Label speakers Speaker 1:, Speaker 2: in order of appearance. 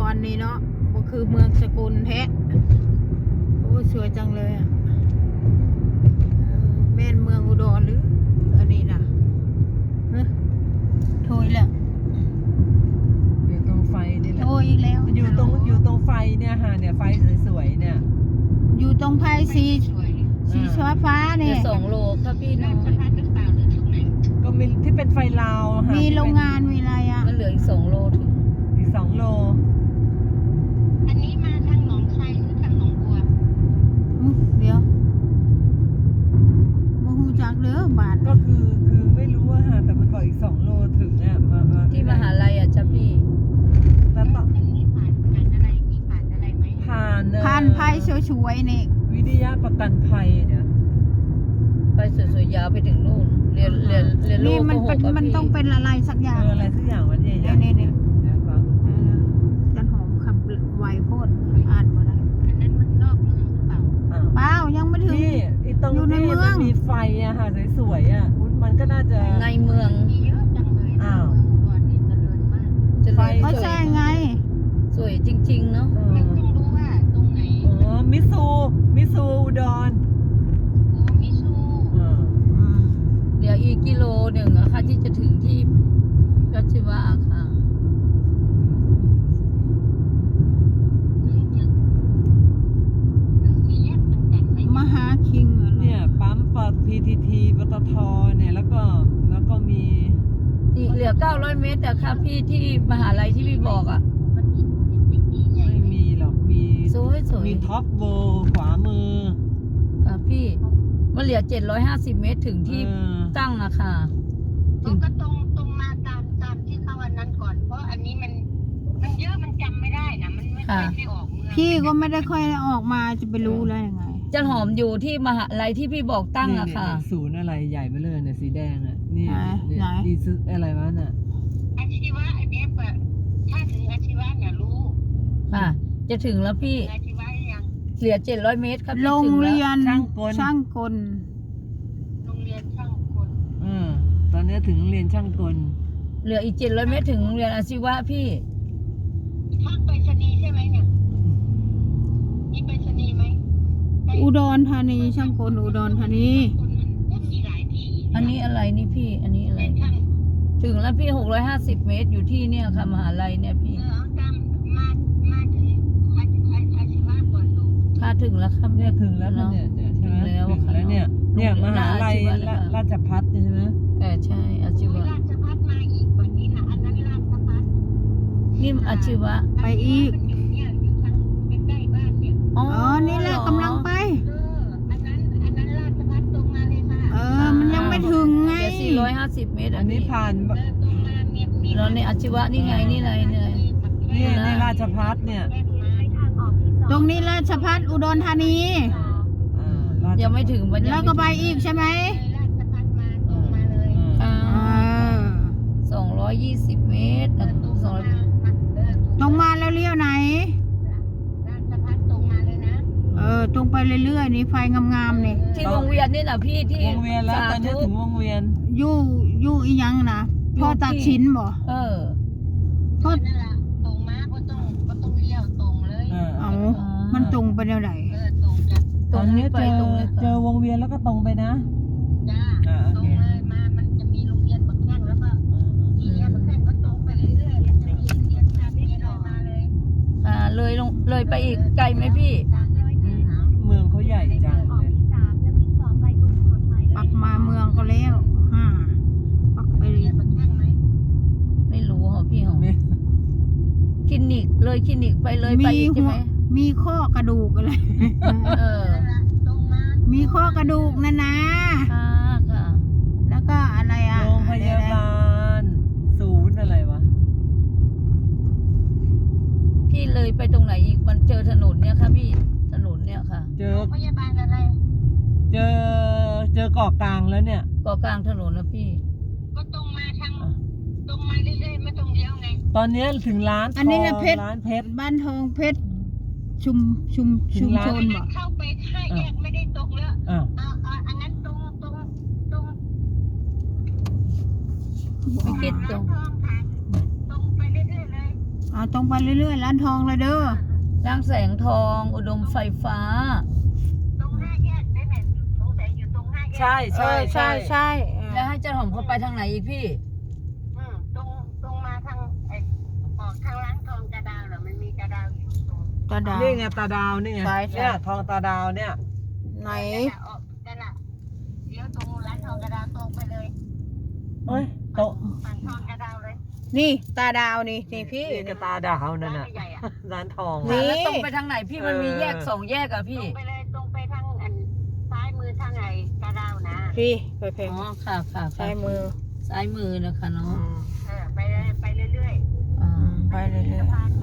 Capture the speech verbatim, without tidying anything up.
Speaker 1: รนี่เนาะก็คือเมืองสกุลแท้โอ้สวยจังเลยอ่ะแม่นเมืองอุดรหรืออันนี้นะโทยแล้ว
Speaker 2: อยู่ตรงไฟนี่แหละ
Speaker 1: โทยอีกแล้ว
Speaker 2: อยู่ตรงอยู่ตรงไฟเนี่ยฮะเนี่ยไฟสวยๆเนี่ย
Speaker 1: อยู่ตรงไพสีสีฟ้าฟ้าเนี่ย
Speaker 3: สองโลครับพี่น้อง
Speaker 2: ก็มีที่เป็นไฟลาวค่ะ
Speaker 1: มีโรงงานมีอะไรอ่ะ
Speaker 3: มันเหลืออีกสองโลถึง
Speaker 2: อีกสองโล
Speaker 4: อันนี้มาทางหนองไทรหรือทางหนองบัว
Speaker 1: เดี๋ยวโมหูจักเด้อบาท
Speaker 2: ก็คือคือไม่รู้ว่าฮะแต่มันบอกอีกสองโลถึงเนี่ยมามา
Speaker 3: ที่มหาลัยอ่ะจ้ะพี่
Speaker 2: แล้วต่อ
Speaker 4: อันนี้ผ่านผ่านอะไรที่ผ่านอะไรไหม
Speaker 2: ผ่าน
Speaker 1: ผ่านไพ่สวยๆนี่
Speaker 2: วิทยาประกันภัยเนี่ย
Speaker 3: ไปสวยๆยาวไปถึงนู่นเรียนเรียนเรียนโล
Speaker 1: นี่
Speaker 3: ก
Speaker 1: มัน
Speaker 3: ห
Speaker 1: เป็น
Speaker 3: กกับ
Speaker 1: มัน
Speaker 3: พี่
Speaker 1: ต้องเป็นอะไรสักอย่าง
Speaker 2: เอออะไรสักอย่างวันใหญ่ๆ
Speaker 1: นี่นี่
Speaker 2: เนี่ยครับ
Speaker 1: จันหอมขับไวโพดอ่านมาได้
Speaker 4: อันนั้นมันนอกเมืองหรือเปล่า
Speaker 2: อ้าว
Speaker 1: เปล่ายังไม่ถึง
Speaker 2: นี่ไอ้ตรง
Speaker 1: อยู่ใน
Speaker 2: ที่
Speaker 1: เมือง
Speaker 2: มันมีไฟอะค่ะสวยๆอะมันก็น่าจะ
Speaker 3: ในเมือง
Speaker 4: มีเยอะจังเลยนะ
Speaker 2: อ้าว
Speaker 4: เมืองอุดรนี่เจริญมาก
Speaker 3: จะ
Speaker 2: ไฟ
Speaker 3: เลย
Speaker 1: ก็
Speaker 3: สวย
Speaker 1: ใช่ไง
Speaker 3: สวยจริงๆเนาะ
Speaker 2: เอ
Speaker 4: ไม่
Speaker 2: อ
Speaker 4: ต้องรู้ว่าตรงไหน
Speaker 2: อ๋อมิซูมิซูอุดร
Speaker 4: โอ้มิซู
Speaker 2: เออ
Speaker 3: เหลืออีกกิโลหนึ่งอะค่ะที่จะถึงที่รัชวะค่ะ
Speaker 4: ถึงถึงถึงสี่แยกมันจันทร์ไหม
Speaker 1: มหาคิงเหรอ
Speaker 2: เนี่ยปั๊มปต พี ที ที ปตทเนี่ยแล้วก็แล้วก็มี
Speaker 3: อีกเหลือเก้าร้อยเมตรอะค่ะพี่ที่มหาลัยที่พี่บอกอะ
Speaker 4: มันมีเป็นปีใหญ่
Speaker 2: ไม่
Speaker 4: ไหม
Speaker 2: มีหรอกมี
Speaker 3: สวยสวย
Speaker 2: มีท็อปโวขวามือ
Speaker 3: ค่ะพี่มันเหลือเจ็ดร้อยห้าสิบเมตรถึงที่
Speaker 2: เออ
Speaker 3: ตั้งอะค่ะ
Speaker 4: มันก็ตรงตรงมาตามตามที่เขาอันนั้นก่อน เพราะอันนี้มันมันเยอะมันจำไม่ได้นะมันไม่ค่อยได้ออกเมือง
Speaker 1: พี่ก็ไม่ได้ค่อยออกมาจะไปรู้แล้วยังไง
Speaker 3: จันหอมอยู่ที่มหาลัยที่พี่บอกตั้งอะค่ะ
Speaker 2: นี่ศูนย์อะไรใหญ่ไปเลยเนี่ยสีแดงอ่ะนี่
Speaker 1: ไหน
Speaker 2: เนี่ย
Speaker 1: ไหน
Speaker 2: อีซึอะไรวะน่ะ
Speaker 4: อาชีวะอันเนี้ยเปิดถ้าถึงอาชีวะเนี่ยรู้
Speaker 3: ค่ะ จะถึงแล้วพี่
Speaker 4: อาชีวะยัง
Speaker 3: เหลือเจ็ดร้อยเมตรครับพี่
Speaker 1: โรง
Speaker 3: ถึงแล้ว
Speaker 1: เรียน
Speaker 2: ช่างกล
Speaker 1: ช่างกล
Speaker 4: โรงเรียนช่างกล
Speaker 2: เออตอนนี้ถึงโรงเรียนช่างกล
Speaker 3: เหลืออีกเจ็ดร้อยเมตรถึงโรงเรียนอาชีวะพี่
Speaker 4: ทางไปรษณีย์ใช่ไหมเนี่ยมีไปรษณีย์ไหม
Speaker 1: อุดรธานีช่างกลอุดรธานี
Speaker 4: คนมันมีหลายที่
Speaker 3: อันนี้อะไรนี่พี่ อันนี้อะไร
Speaker 4: แต่ช่าง
Speaker 3: ถึงแล้วพี่หกร้อยห้าสิบเมตรอยู่ที่เนี่ยค่ะมหาลัยเนี่ยพี่
Speaker 4: เออเอาตามมามาถึงอาอาอาชีวะก่อนดู
Speaker 3: ถ้าถึงแล้วครับ
Speaker 2: เนี่ยถึงแล้วเนี่ยเนี่ยใช่ไหม
Speaker 3: ถึงแล้ว
Speaker 2: ถึงแล้วเนี่ยเนี่ยมหาลัยราราชภัฏใช่ไหม
Speaker 3: เออใช่อาชีวะ
Speaker 4: ราชพัฒมาอีกกว่านี้นะอันนั้นราชพัฒ
Speaker 3: นี่อาชีวะ
Speaker 1: ไปอีก
Speaker 4: มันอยู่เนี่ยอยู่ทางใกล้ๆบ้านเนี่ย
Speaker 3: อ๋อ
Speaker 1: อ๋อ นี่แหละกำลังไป
Speaker 4: เอออันนั้นอันนั้นราชพัฒตรงมาเลยค่ะ
Speaker 1: เออ มันยังไม่ถึงไง
Speaker 3: เหลือสี่ร้อยห้าสิบเมตร
Speaker 2: อันนี้ผ่าน
Speaker 4: เออตรงมาเมียมี
Speaker 3: แล้วในอาชีวะนี่ไงนี่ไงนี่ไง
Speaker 2: เนี่ยในราชภัฏเนี่ย
Speaker 1: ตรงนี้ราชพัฒอุดรธานี
Speaker 2: อ่าราช
Speaker 3: ยังไม่ถึงวัน
Speaker 1: แล้วก็ไปอีกใช่ไหม
Speaker 4: ราชพัฒมาตรงมาเลย
Speaker 3: อ่า
Speaker 1: เออ
Speaker 3: สองร้อยยี่สิบเมตร
Speaker 4: เออตรง
Speaker 3: สอง
Speaker 4: มา
Speaker 3: ร้อย
Speaker 4: เออ
Speaker 1: ตรงมาแล้วเลี้ยวไหน
Speaker 4: ราชพัฒตรงมาเลยนะ
Speaker 1: เออ ตรงไปเรื่อยๆนี่ไฟงามๆนี่
Speaker 3: ที่วงเวียนนี่แหละพี่ที่
Speaker 2: วงเวียนแล้วตอนนี้ถึงวงเวียน
Speaker 1: อยู่อยู่อีหยังนะพ่อตัดชิ้นบ่
Speaker 3: เออ
Speaker 1: พ่อ
Speaker 4: นั่นแหละตรงมาก็ต้องก็ต้องเลี้ยวตรงเลย
Speaker 2: เออ
Speaker 1: เอามันตรงไปแนวไหน
Speaker 4: เออตรงจ้ะ
Speaker 3: ตรงนี้ไป
Speaker 2: เจอ
Speaker 3: ตรงนี้
Speaker 2: เจอวงเวียนแล้วก็ตรงไปนะ
Speaker 4: จ้า
Speaker 2: อ่าโอ
Speaker 4: ตร
Speaker 2: เค
Speaker 4: งเลยมามันจะมีโรงเรียนบักแข้งแล้วก็ทีเนี้ยบักแข้งก็ตรงไปเรื่อยๆแล้วจะมีโรงเรียนทางนี้เลยมาเลย
Speaker 3: อ่าเลยลงเลยไปอีกไกลไหมพี่
Speaker 2: เมืองเขาใหญ่จังเลย
Speaker 1: ปักมาเมืองก็แล้วห้าปักไป
Speaker 4: เรียนบักแข้งไหม
Speaker 3: ไม่รู้เหรอพี่เหรอ
Speaker 2: ไม่
Speaker 3: คลินิกเลยคลินิกไปเลยไป
Speaker 1: มี
Speaker 3: อีกใช่
Speaker 1: หั
Speaker 3: ไห
Speaker 1: ว
Speaker 3: ม
Speaker 1: มีข้อกระดูกอะไร
Speaker 3: เออ
Speaker 4: นั่นแหละตรงมา
Speaker 1: มีข้อกระดูกนะนะ
Speaker 3: ค่ะค่ะ
Speaker 1: แล้วก็อะไรอ่ะ
Speaker 2: โรงพยาบาล ศูนย์อะไรวะ
Speaker 3: พี่เลยไปตรงไหนอีกมันเจอถนนเนี่ยค่ะพี่ถนนเนี่ยค่ะ
Speaker 2: เจอ
Speaker 4: โรงพยาบาลอะไร
Speaker 2: เจอเจอเกาะกลางแล้วเนี่ย
Speaker 3: ก็กลางถนนนะพี่
Speaker 4: ก็ตรงมาทางตรงมาเรื่อยๆไม่ตรงเดียวไง
Speaker 2: ตอนนี้ถึงร้าน
Speaker 1: อันนี้นะ
Speaker 2: ทง
Speaker 1: เพชร
Speaker 2: ร้านเพชร
Speaker 1: บ้านทองเพชรชุมชุม
Speaker 2: ถึ
Speaker 1: ชุ
Speaker 2: ง
Speaker 1: ม
Speaker 2: ร้าน
Speaker 1: ชน
Speaker 4: อัน
Speaker 1: บ่
Speaker 4: นั้นเข้าไปห้าแยกไม่ได้ตรงแล้ว
Speaker 2: อ้าว
Speaker 4: อ่าอ่าอันนั้นตรงตรงตรง
Speaker 3: ไม่คิดตรง
Speaker 4: ร้านทองผ่านตรงไปเรื่อยๆเลย
Speaker 1: เอาตรงไปเรื่อยๆร้านทองเลยเด้อ
Speaker 3: ร่างแสงทองอุดมไฟฟ้า
Speaker 4: ตรงห้าแยกได้ไหมสงสัยอยู่ตรงห้าแยก
Speaker 2: ใช่
Speaker 1: เอ
Speaker 2: ใช่
Speaker 1: อใช่ใช่เออ
Speaker 3: แล้วให้เจ้าหอมเขาไปทางไหนอีกพี่
Speaker 4: อืมตรงตรงมาทางไอ้ออกทางร้านทองกระดาวเหรอมันมีกระดาวอยู่ตรง
Speaker 1: ตาดาว
Speaker 2: นี่ไงตาดาวนี่ไง
Speaker 1: ใช่ใช่
Speaker 2: เนี่ยทองตาดาวเนี่ย
Speaker 1: ไหน
Speaker 4: นั่นน่ะออกนั่นน่ะเดี๋ยวตรงร้านทองกระดาวตรงไปเลย
Speaker 2: เฮ้ยโตะ
Speaker 4: ฝั่งทองกระดาวเลย
Speaker 1: นี่ตาดาวนี่นี่พี่
Speaker 2: นี่กระตาดาวนั่น
Speaker 4: ร้าน
Speaker 2: น่ะ
Speaker 4: ใหญ่ๆอ่ะ
Speaker 2: ร้านทอง
Speaker 1: นี่
Speaker 2: อะ
Speaker 3: แล้วตรงไปทางไหนพี่มันมีแยกสองแยกอะ
Speaker 4: ตร
Speaker 3: พี่
Speaker 4: งไปเลยตรงไปทางอันซ้ายมือทางไอ้กระดาวนะ
Speaker 1: พี่ไปเพล
Speaker 3: อ๋อค่ะค่ะค่ะ
Speaker 1: ซ้ายมือ
Speaker 3: ซ้ายมือนะคะ
Speaker 1: อื
Speaker 3: เนาะ
Speaker 1: ม
Speaker 4: เออไปเลยไปเรื่อย
Speaker 3: อ่า
Speaker 1: ไปเรื่อย
Speaker 4: ๆสะพาน